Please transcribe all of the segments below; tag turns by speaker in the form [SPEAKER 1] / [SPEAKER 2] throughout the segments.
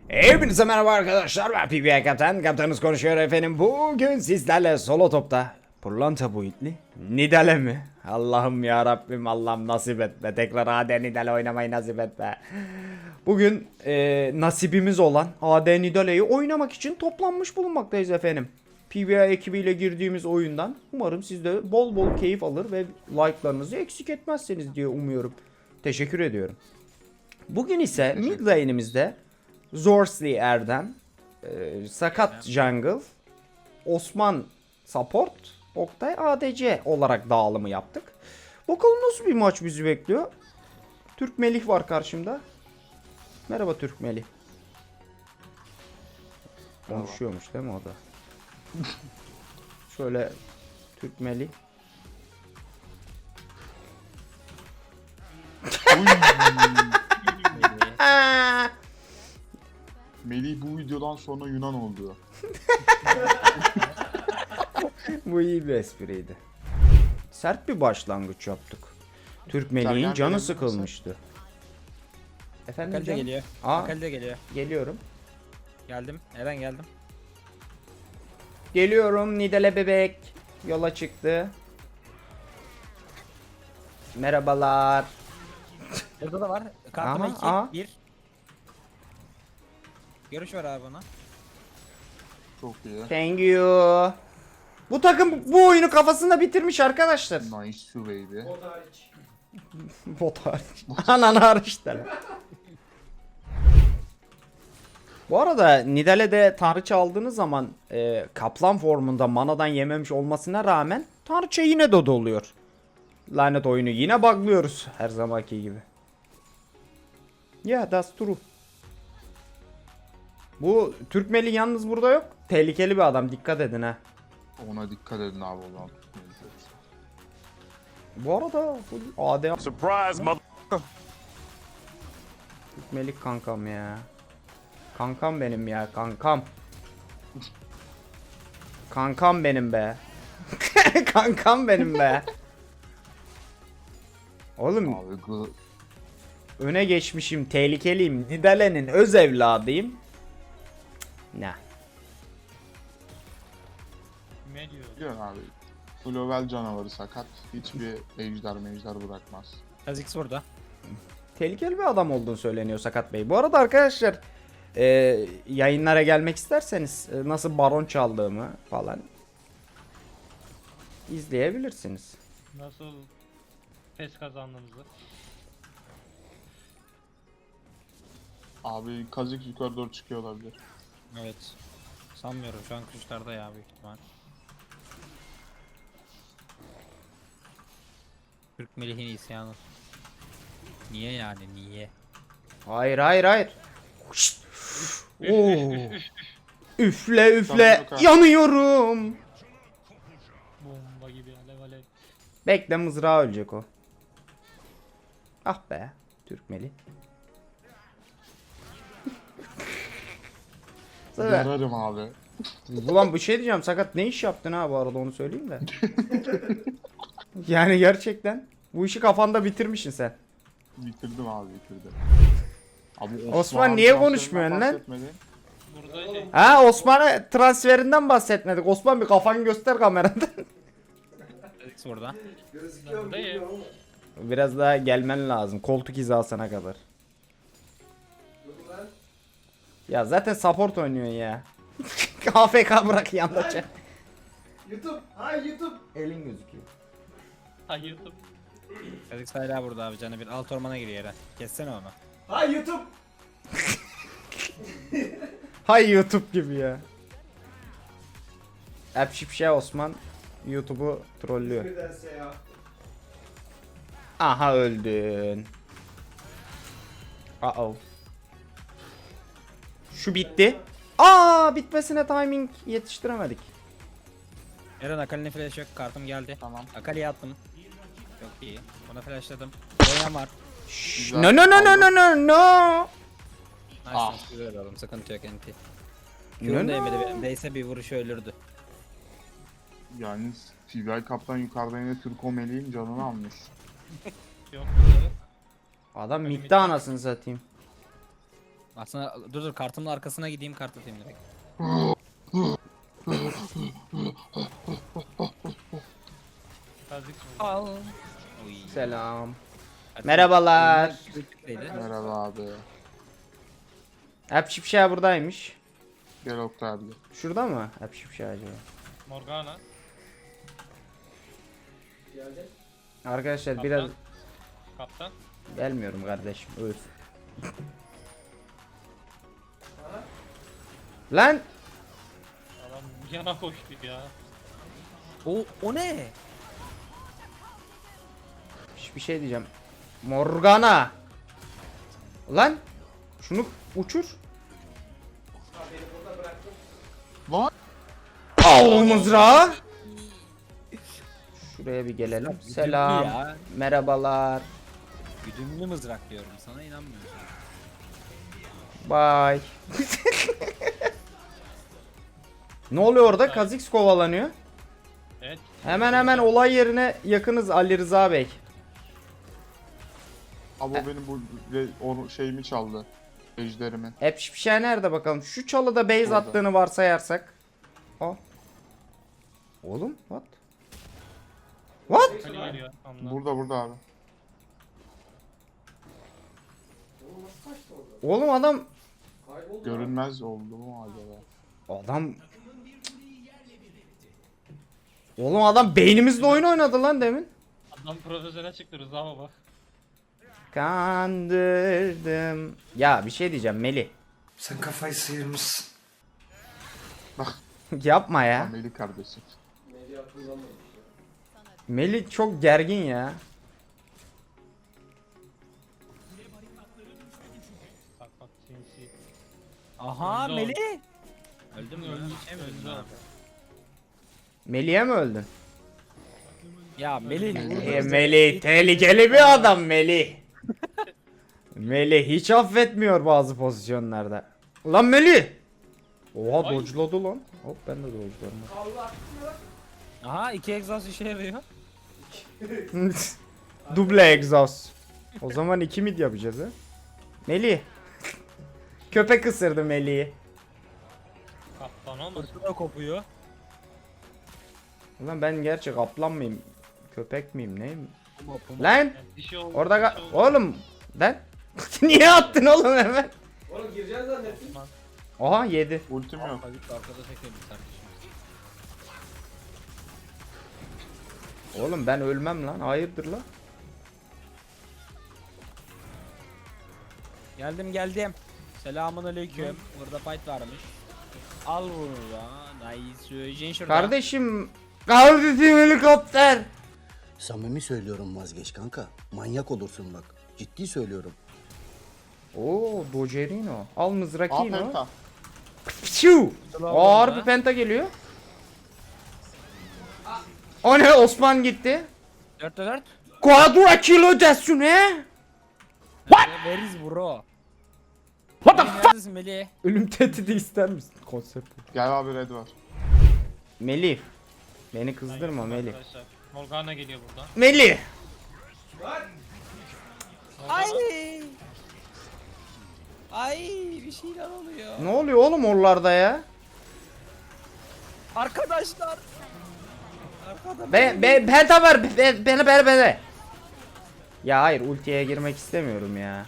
[SPEAKER 1] Hepinize merhaba arkadaşlar, ben PBA Kaptan. Kaptanınız konuşuyor efendim. Bugün sizlerle solo topta pırlanta boyutlu Nidale mi? Allah'ım ya Rabbim, Allah'ım nasip et be. Tekrar AD Nidale oynamayı nasip et be. Bugün nasibimiz olan AD Nidale'yi oynamak için toplanmış bulunmaktayız efendim. PBA ekibiyle girdiğimiz oyundan umarım siz de bol bol keyif alır ve like'larınızı eksik etmezseniz diye umuyorum. Teşekkür ediyorum. Bugün ise mid lane'imizde Zorsley Erdem, Sakat Jungle, Osman Support, Oktay ADC olarak dağılımı yaptık. Bakalım nasıl bir maç bizi bekliyor. Türk Melih var karşımda. Merhaba Türk Melih. Konuşuyormuş değil mi o da? Şöyle Türk Melih.
[SPEAKER 2] Melih bu videodan sonra Yunan oldu.
[SPEAKER 1] Bu iyi bir espriydi. Sert bir başlangıç yaptık. Türk Melih'in canı sıkılmıştı. Efendim
[SPEAKER 3] Akali de
[SPEAKER 1] canım?
[SPEAKER 3] geliyor.
[SPEAKER 1] Aa,
[SPEAKER 3] Akali de geliyor.
[SPEAKER 1] geliyorum.
[SPEAKER 3] Geldim. Eren geldim.
[SPEAKER 1] Geliyorum Nidale bebek. Yola çıktı. Merhabalar.
[SPEAKER 3] Burada da var. Kartıma
[SPEAKER 1] Aha,
[SPEAKER 3] 2, 1. Görüş var abi ona.
[SPEAKER 2] Çok iyi.
[SPEAKER 1] Thank you. Bu takım bu oyunu kafasında bitirmiş arkadaşlar.
[SPEAKER 2] Nice to baby.
[SPEAKER 1] Bot hariç. Ananı hariç de. Bu arada Nidale'de tanrıça aldığınız zaman kaplan formunda manadan yememiş olmasına rağmen tanrıça yine de doluyor. Lanet oyunu yine buglıyoruz her zamanki gibi. Yeah, that's true. Bu Türk Meli yalnız burada yok. Tehlikeli bir adam, dikkat edin ha.
[SPEAKER 2] Ona dikkat edin abi o zaman.
[SPEAKER 1] Bu arada AD
[SPEAKER 4] Surprise, mother.
[SPEAKER 1] Türk Melik kankam ya. Kankam benim ya, kankam. Kankam benim be. Kankam benim be. Oğlum
[SPEAKER 2] Abi
[SPEAKER 1] öne geçmişim, tehlikeliyim. Nidale'nin öz evladıyım. Cık, ne?
[SPEAKER 2] biliyorsun abi. Flovel canavarı sakat. Hiçbir ejder bırakmaz.
[SPEAKER 3] Kha'Zix burada.
[SPEAKER 1] Tehlikeli bir adam olduğunu söyleniyor Sakat Bey. Bu arada arkadaşlar yayınlara gelmek isterseniz nasıl baron çaldığımı falan izleyebilirsiniz.
[SPEAKER 5] Nasıl pes kazandığınızı.
[SPEAKER 2] Abi Kazik yukarı doğru çıkıyor olabilir.
[SPEAKER 3] Evet. Sanmıyorum şu an kuşlarda ya büyük ihtimal. Türk Melih'in isyanı. Niye yani niye?
[SPEAKER 1] Hayır hayır hayır. Şşt. Oo. Üfle üfle
[SPEAKER 2] Tamam,
[SPEAKER 1] yanıyorum.
[SPEAKER 5] Bomba gibi alev alev.
[SPEAKER 1] Bekle, mızrağı ölecek o. Ah be Türkmeli. Sonra,
[SPEAKER 2] Yararım abi.
[SPEAKER 1] ulan bir şey diyeceğim, Sakat ne iş yaptın ha bu arada, onu söyleyeyim de. Yani gerçekten bu işi kafanda bitirmişsin sen.
[SPEAKER 2] Bitirdim abi bitirdim. Abi
[SPEAKER 1] Osman niye konuşmuyorsun lan?
[SPEAKER 2] bahsetmedi.
[SPEAKER 5] Burada şey,
[SPEAKER 1] Ha, Osman'a transferinden bahsetmedik. Osman bir kafanı göster kameradan.
[SPEAKER 3] Kha'Zix burada.
[SPEAKER 5] buradayım.
[SPEAKER 1] Biraz daha gelmen lazım koltuk hizasına kadar. Ya zaten support oynuyorsun ya. AFK bırak yanında çek. YouTube. Hay YouTube. Elin gözüküyor.
[SPEAKER 5] Hayırdım.
[SPEAKER 3] Kha'Zix hala burada abi, canı bir. Alt ormana giriyor Eren. Kessene onu.
[SPEAKER 1] Hay YouTube. Hay YouTube gibi ya. Apşipşe Osman YouTube'u trollüyor. Aha öldün. Uh-oh. Şu bitti. Aa, bitmesine timing yetiştiremedik.
[SPEAKER 3] Eren Akali'nin flash yok. Kartım geldi.
[SPEAKER 2] Tamam.
[SPEAKER 3] Akali'ye attım. Çok iyi. Ona flashladım. Boyan var.
[SPEAKER 2] Güzel.
[SPEAKER 1] No no no no no no no.
[SPEAKER 3] Nice.
[SPEAKER 2] Ah.
[SPEAKER 3] Güzel oğlum. Sıkıntı yok NT.
[SPEAKER 1] No,
[SPEAKER 3] Kürün
[SPEAKER 1] no.
[SPEAKER 3] değmedi benim. Değse bir vuruşu ölürdü.
[SPEAKER 2] Yani TBI kaptan yukarıda yine Türko Melih'in canını almış.
[SPEAKER 5] Yok.
[SPEAKER 1] Adam midde anasını satayım.
[SPEAKER 3] Aslında dur kartımın arkasına gideyim kart atayım direkt.
[SPEAKER 5] Kazik mi?
[SPEAKER 3] Al. Oy.
[SPEAKER 1] Selam.
[SPEAKER 3] Hadi.
[SPEAKER 1] Merhabalar.
[SPEAKER 3] Neydi?
[SPEAKER 2] Merhaba abi.
[SPEAKER 1] Hep Şipşah buradaymış.
[SPEAKER 2] Gel Oktay abi.
[SPEAKER 1] Şurada mı? Hep Şipşah acaba?
[SPEAKER 5] Morgana.
[SPEAKER 1] Arkadaşlar
[SPEAKER 5] Kaptan.
[SPEAKER 1] biraz
[SPEAKER 5] Kaptan.
[SPEAKER 1] gelmiyorum kardeşim. Öf. Lan
[SPEAKER 5] Adam yana koştu ya.
[SPEAKER 3] O ne?
[SPEAKER 1] bir şey diyeceğim. Morgana. Lan şunu uçur.
[SPEAKER 2] Lan!
[SPEAKER 1] Al mızrağı. Şuraya bir gelelim. Selam.
[SPEAKER 3] ya.
[SPEAKER 1] Merhabalar.
[SPEAKER 3] Güdümlü mızrak diyorum sana inanmıyorum.
[SPEAKER 1] Bye. Ne oluyor orada? Kha'Zix kovalanıyor.
[SPEAKER 5] Evet.
[SPEAKER 1] Hemen olay yerine yakınız Ali Rıza Bey.
[SPEAKER 2] Abi o benim bu şeyimi çaldı. Ejderimi.
[SPEAKER 1] Hep bir şey nerede bakalım? Şu çalıda base
[SPEAKER 2] Burada.
[SPEAKER 1] attığını varsayarsak. O. Oğlum what? What?
[SPEAKER 5] Kali geliyor. Anla.
[SPEAKER 2] Burada abi.
[SPEAKER 1] Oğlum adam
[SPEAKER 2] Görünmez oldu mu acaba?
[SPEAKER 1] Oğlum adam beynimizle oyun oynadı lan demin.
[SPEAKER 5] Adam profesyonel çıktı Rıza baba.
[SPEAKER 1] Kandırdım. Ya bir şey diyeceğim Melih.
[SPEAKER 4] Sen kafayı sıyırmışsın.
[SPEAKER 1] Yapma ya.
[SPEAKER 2] Ameli kardeşim.
[SPEAKER 1] Melih çok gergin ya.
[SPEAKER 5] Bak sinsi.
[SPEAKER 3] Aha
[SPEAKER 5] Öldü o.
[SPEAKER 3] Melih. Öldüm mü?
[SPEAKER 5] Öldü.
[SPEAKER 3] Şey mi
[SPEAKER 5] Öldü
[SPEAKER 3] öldüm?
[SPEAKER 5] o.
[SPEAKER 3] Ha.
[SPEAKER 1] Melih'e mi öldün?
[SPEAKER 3] Ya Melih.
[SPEAKER 1] Melih tehlikeli bir adam Melih. Melih hiç affetmiyor bazı pozisyonlarda. Ulan Melih. Oha
[SPEAKER 5] Ay.
[SPEAKER 1] dodge'ladı lan. Hop ben de dodge'larım.
[SPEAKER 3] Aha 2 egzoz işe yarıyor.
[SPEAKER 1] Duble egzoz. O zaman 2 mid yapacağız ha. Melih. Köpek ısırdı Melih'i.
[SPEAKER 5] Kaptan olmasın.
[SPEAKER 3] Fırtına kopuyor.
[SPEAKER 1] Ulan ben gerçek kaplan mıyım? Köpek miyim neyim?
[SPEAKER 3] Puma.
[SPEAKER 1] Lan
[SPEAKER 5] Yani dişi oldu.
[SPEAKER 1] orada
[SPEAKER 5] dişi oldu.
[SPEAKER 1] oğlum lan niye attın oğlum hemen?
[SPEAKER 6] Oğlum gireceğiz zannettim.
[SPEAKER 1] Aha yedi.
[SPEAKER 2] Ultim yok.
[SPEAKER 3] Tabii ki arkada çekelim kardeşim.
[SPEAKER 1] Oğlum ben ölmem lan. Hayırdır lan?
[SPEAKER 3] Geldim. Selamun aleyküm. Burada fight varmış. Al bunu da. Nice. Jin şurada.
[SPEAKER 1] Kardeşim helikopter.
[SPEAKER 7] Samimi söylüyorum vazgeç kanka. Manyak olursun bak. Ciddi söylüyorum.
[SPEAKER 1] Oo Dojerino. Al
[SPEAKER 2] Aa
[SPEAKER 1] mızrakino.
[SPEAKER 2] penta.
[SPEAKER 1] Piu. Ağır bir penta geliyor. O ne Osman gitti.
[SPEAKER 3] 4'te 4.
[SPEAKER 1] Quadra kilo desune.
[SPEAKER 3] Where is bro? What the fuck? Neredesin Melih?
[SPEAKER 1] Ölüm tehdidi ister misin? Konsept.
[SPEAKER 2] Gel abi red var.
[SPEAKER 1] Melih. Beni kızdırma Melih.
[SPEAKER 5] Arkadaşlar. Morgana geliyor buradan.
[SPEAKER 1] Melih.
[SPEAKER 3] Ay. Ay bir şeyler oluyor.
[SPEAKER 1] Ne oluyor oğlum oralarda ya?
[SPEAKER 3] Arkadaşlar. Arkada
[SPEAKER 1] Penta ver. Beni. Ya hayır ultiye girmek istemiyorum ya.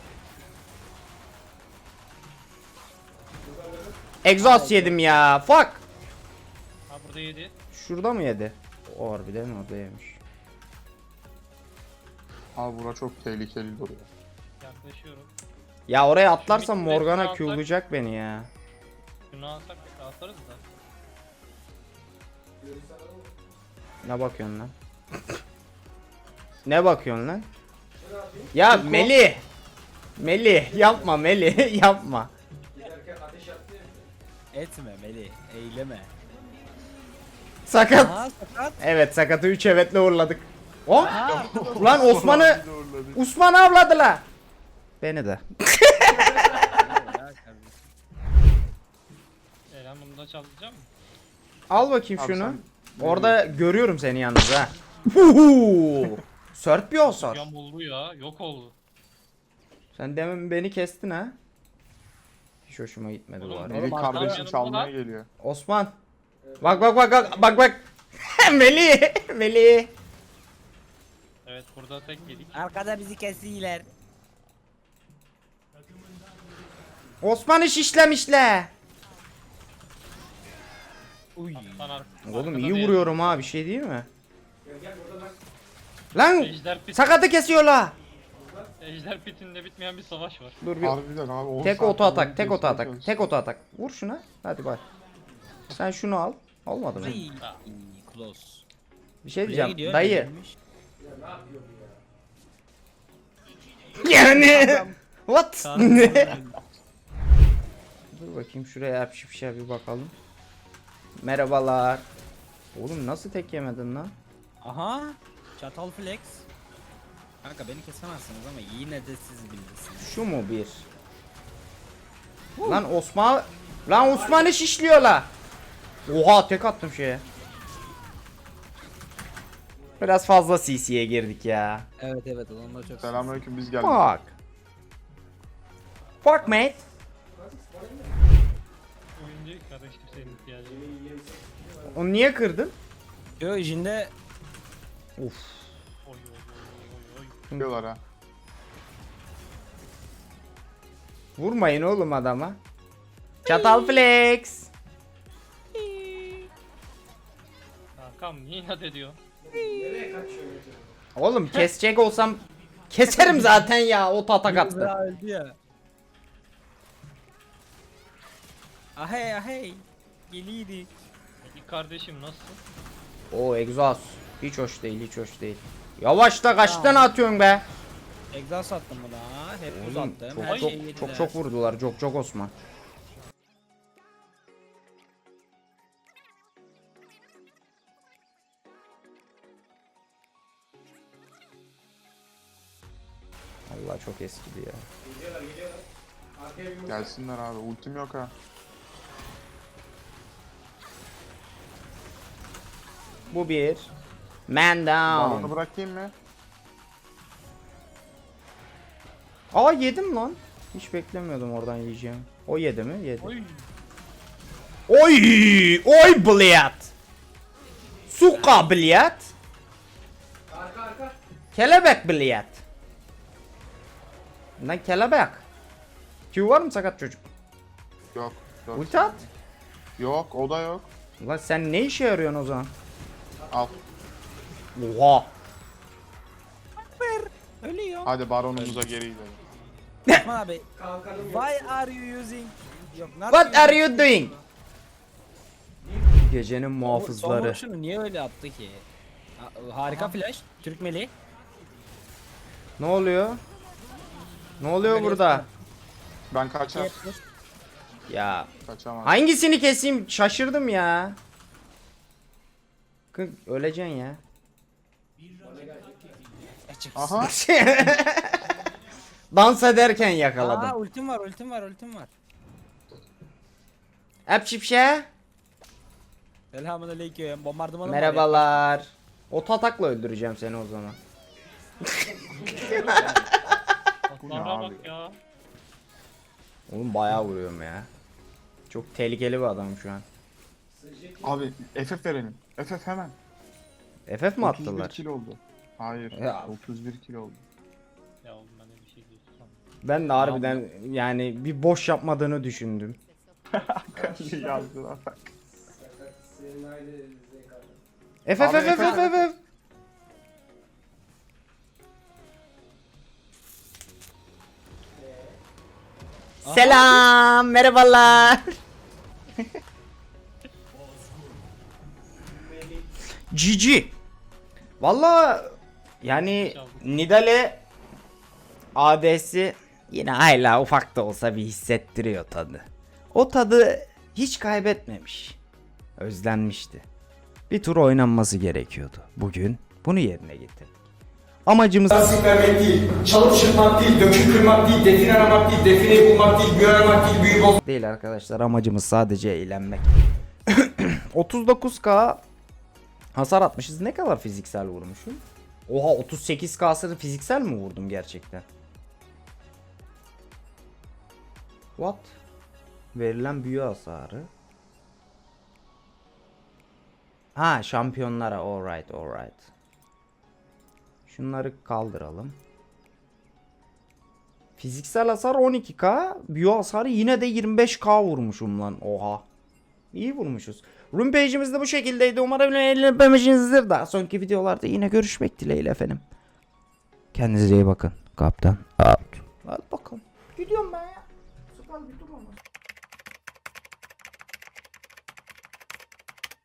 [SPEAKER 1] Exhaust yedim ya. Fuck.
[SPEAKER 5] Ha burada yedi.
[SPEAKER 1] Şurada mı yedi? O harbiden orada yemiş.
[SPEAKER 2] Abi bura çok tehlikeli duruyor.
[SPEAKER 5] Yaklaşıyorum.
[SPEAKER 1] Ya oraya atlarsam
[SPEAKER 5] Şu mid
[SPEAKER 1] Morgana
[SPEAKER 5] alsak-
[SPEAKER 1] Q'layacak beni ya.
[SPEAKER 5] Şunu alsak atarız da.
[SPEAKER 1] Ne bakıyorsun lan? Ne bakıyorsun lan? Ya Melih. Melih yapma Melih yapma.
[SPEAKER 6] Giderken ateş attı ya.
[SPEAKER 3] Etme Melih. Eyleme.
[SPEAKER 1] Sakat.
[SPEAKER 3] Aha sakat.
[SPEAKER 1] Evet sakatı 3 evetle uğurladık. O? Lan Osman'ı
[SPEAKER 2] Bir de uğurladık.
[SPEAKER 1] Osman avladılar. Beni de.
[SPEAKER 5] Eren bunu da çalacak mı?
[SPEAKER 1] Al bakayım
[SPEAKER 2] Abi
[SPEAKER 1] şunu.
[SPEAKER 2] sen-
[SPEAKER 1] Orada görüyorum seni yalnız ha. Huhu. Sört bir osor.
[SPEAKER 5] Yam oldu ya. Yok oldu.
[SPEAKER 1] Sen demin beni kestin ha. Hiç hoşuma gitmedi bu
[SPEAKER 5] Oğlum,
[SPEAKER 1] arada.
[SPEAKER 2] Melih
[SPEAKER 3] Oğlum,
[SPEAKER 2] kardeşim
[SPEAKER 5] arkadaşım
[SPEAKER 2] çalmaya
[SPEAKER 5] var.
[SPEAKER 2] geliyor.
[SPEAKER 1] Osman. Bak bak bak bak bak bak. Melih. Melih.
[SPEAKER 5] Evet burada tek yedik.
[SPEAKER 3] Arkada bizi kesiyorlar.
[SPEAKER 1] Osman'ı şişlemişler.
[SPEAKER 3] Uy.
[SPEAKER 1] Oğlum iyi vuruyorum ha, bir şey değil mi?
[SPEAKER 6] Gel gel burada bak.
[SPEAKER 1] Lan
[SPEAKER 5] Ejder pit.
[SPEAKER 1] sakatı kesiyorlar.
[SPEAKER 5] Ejder pitinde bitmeyen bir savaş var.
[SPEAKER 1] Dur bir
[SPEAKER 2] Harbiden abi. 10
[SPEAKER 1] tek
[SPEAKER 2] saat
[SPEAKER 1] oto atak,
[SPEAKER 2] boyunca
[SPEAKER 1] tek oto
[SPEAKER 2] kesmeye
[SPEAKER 1] atak,
[SPEAKER 2] çalıştım.
[SPEAKER 1] tek oto atak. Vur şuna. Hadi bak. Sen şunu al. Olmadı mı?
[SPEAKER 3] Ay. Close.
[SPEAKER 1] Bir şey
[SPEAKER 3] Buraya
[SPEAKER 1] diyeceğim.
[SPEAKER 3] gidiyor,
[SPEAKER 1] Dayı.
[SPEAKER 3] gelmiş.
[SPEAKER 6] Ya ne yapıyor bu ya?
[SPEAKER 1] Yani. What?
[SPEAKER 3] Tanrım.
[SPEAKER 1] Dur bakayım şuraya yapışıp bir bakalım. Merhabalar. Oğlum nasıl tek yemedin lan?
[SPEAKER 3] Aha. Çatal flex. Kanka beni kesemezsiniz ama yine de siz bilirsiniz.
[SPEAKER 1] Şu mu bir? Lan Osman. Lan Osman'ı şişliyorlar. Oha tek attım şeye. Biraz fazla CC'ye girdik ya.
[SPEAKER 3] Evet evet onlar çok
[SPEAKER 2] Selamünaleyküm, biz geldik.
[SPEAKER 1] Fuck. Fuck mate.
[SPEAKER 5] Oyuncu kardeşim senin ihtiyacın.
[SPEAKER 1] Onu niye kırdın?
[SPEAKER 3] Yo içinde
[SPEAKER 1] Uf.
[SPEAKER 5] Oy oy oy oy oy.
[SPEAKER 2] Diyorlar ha.
[SPEAKER 1] Vurmayın oğlum adama. Çatal flex.
[SPEAKER 5] Kankam niye inat ediyor?
[SPEAKER 6] Nereye kaçıyor Metin?
[SPEAKER 1] Oğlum kesecek olsam keserim zaten ya, o tatak attı.
[SPEAKER 3] Mızrağı öldü ya. Ahey ahey. Geliydi.
[SPEAKER 5] İlk kardeşim nasılsın?
[SPEAKER 1] O egzoz. Hiç hoş değil, hiç hoş değil. Yavaşla, kaç tane atıyorsun be?
[SPEAKER 3] Egzaz attım buna. Hep buz
[SPEAKER 1] Oğlum
[SPEAKER 3] attım.
[SPEAKER 1] çok
[SPEAKER 3] Her
[SPEAKER 1] çok
[SPEAKER 3] şeyi yediler.
[SPEAKER 1] çok çok vurdular. Çok çok Osman. Allah çok eskidi ya.
[SPEAKER 6] Geliyorlar geliyorlar. Arkaya bir muz.
[SPEAKER 2] Gelsinler abi. Ultim yok ha.
[SPEAKER 1] Bu bir. Man
[SPEAKER 2] Balonu
[SPEAKER 1] down.
[SPEAKER 2] bırakayım mı?
[SPEAKER 1] Aa yedim lan. Hiç beklemiyordum oradan yiyeceğim. O yedi mi? Yedi.
[SPEAKER 5] Oy.
[SPEAKER 1] Oy! Oy bliyat! Suka bliyat!
[SPEAKER 6] Arka arka.
[SPEAKER 1] Kelebek bliyat! Lan kelebek! Q var mı sakat çocuk?
[SPEAKER 2] Yok. Yok.
[SPEAKER 1] Ulti at!
[SPEAKER 2] Yok, o da yok.
[SPEAKER 1] Lan sen ne işe yarıyorsun o zaman?
[SPEAKER 2] Al.
[SPEAKER 1] Oha!
[SPEAKER 3] Ölüyor.
[SPEAKER 2] Hadi baronumuza geri gidelim.
[SPEAKER 3] Osman abi.
[SPEAKER 6] Kalkanım yok.
[SPEAKER 3] Why are you using? Yok. not
[SPEAKER 1] What
[SPEAKER 3] using-
[SPEAKER 1] are you doing? Gecenin
[SPEAKER 3] Son
[SPEAKER 1] muhafızları.
[SPEAKER 3] vuruşunu niye öyle attı ki? Harika flash. Türk meleği.
[SPEAKER 1] Ne oluyor? Ne oluyor burada?
[SPEAKER 2] Ben kaçar.
[SPEAKER 1] Ya
[SPEAKER 2] Kaçamam.
[SPEAKER 1] hangisini keseyim? Şaşırdım ya. Öleceksin ya.
[SPEAKER 2] Aha.
[SPEAKER 1] Dans ederken yakaladım.
[SPEAKER 3] Aa ultim var ultim var ultim var.
[SPEAKER 1] Hep şipşe.
[SPEAKER 3] Selamünaleyküm. Bombardımanım var
[SPEAKER 1] Merhabalar. O tatakla öldüreceğim seni o zaman.
[SPEAKER 2] Bu ne
[SPEAKER 5] Atlara
[SPEAKER 2] abi?
[SPEAKER 5] bak ya.
[SPEAKER 1] Oğlum bayağı vuruyorum ya. Çok tehlikeli bir adam şu an.
[SPEAKER 2] Abi FF verelim. FF hemen.
[SPEAKER 1] FF mi
[SPEAKER 2] 31
[SPEAKER 1] attılar?
[SPEAKER 2] kill oldu. Hayır.
[SPEAKER 1] Ya.
[SPEAKER 2] 31 kill oldu.
[SPEAKER 5] Ya oğlum ben de bir şey diyorsun.
[SPEAKER 1] Ben de harbiden yani bir boş yapmadığını düşündüm.
[SPEAKER 2] Yazdılar.
[SPEAKER 6] Senin aynı zevk aldın.
[SPEAKER 1] FF
[SPEAKER 2] Abi,
[SPEAKER 1] FF FF FF. Selam, merhabalar. GG. Valla yani Nidale AD'si yine hala ufak da olsa bir hissettiriyor tadı. O tadı hiç kaybetmemiş. Özlenmişti. Bir tur oynanması gerekiyordu. Bugün bunu yerine getirdik. Amacımız
[SPEAKER 8] Nasip vermek değil, çalıp çırpmak değil, döküp kırmak değil, define aramak değil, defineyi bulmak değil, büyü aramak değil, büyü bozmak
[SPEAKER 1] değil arkadaşlar. Amacımız sadece eğlenmek. 39k hasar atmışız. Ne kadar fiziksel vurmuşum? Oha 38k'sını fiziksel mi vurdum gerçekten? What? Verilen büyü hasarı. Ha, şampiyonlara, alright. Şunları kaldıralım. Fiziksel hasar 12k, büyü hasarı yine de 25k vurmuşum lan. Oha. İyi vurmuşuz. Rune page'imiz de bu şekildeydi. Umarım eğlenmişsinizdir. Daha sonraki videolarda yine görüşmek dileğiyle efendim. Kendinize iyi bakın. Kaptan out. Hadi bakalım. Gidiyorum ben ya. Sıkal bir dur olmaz.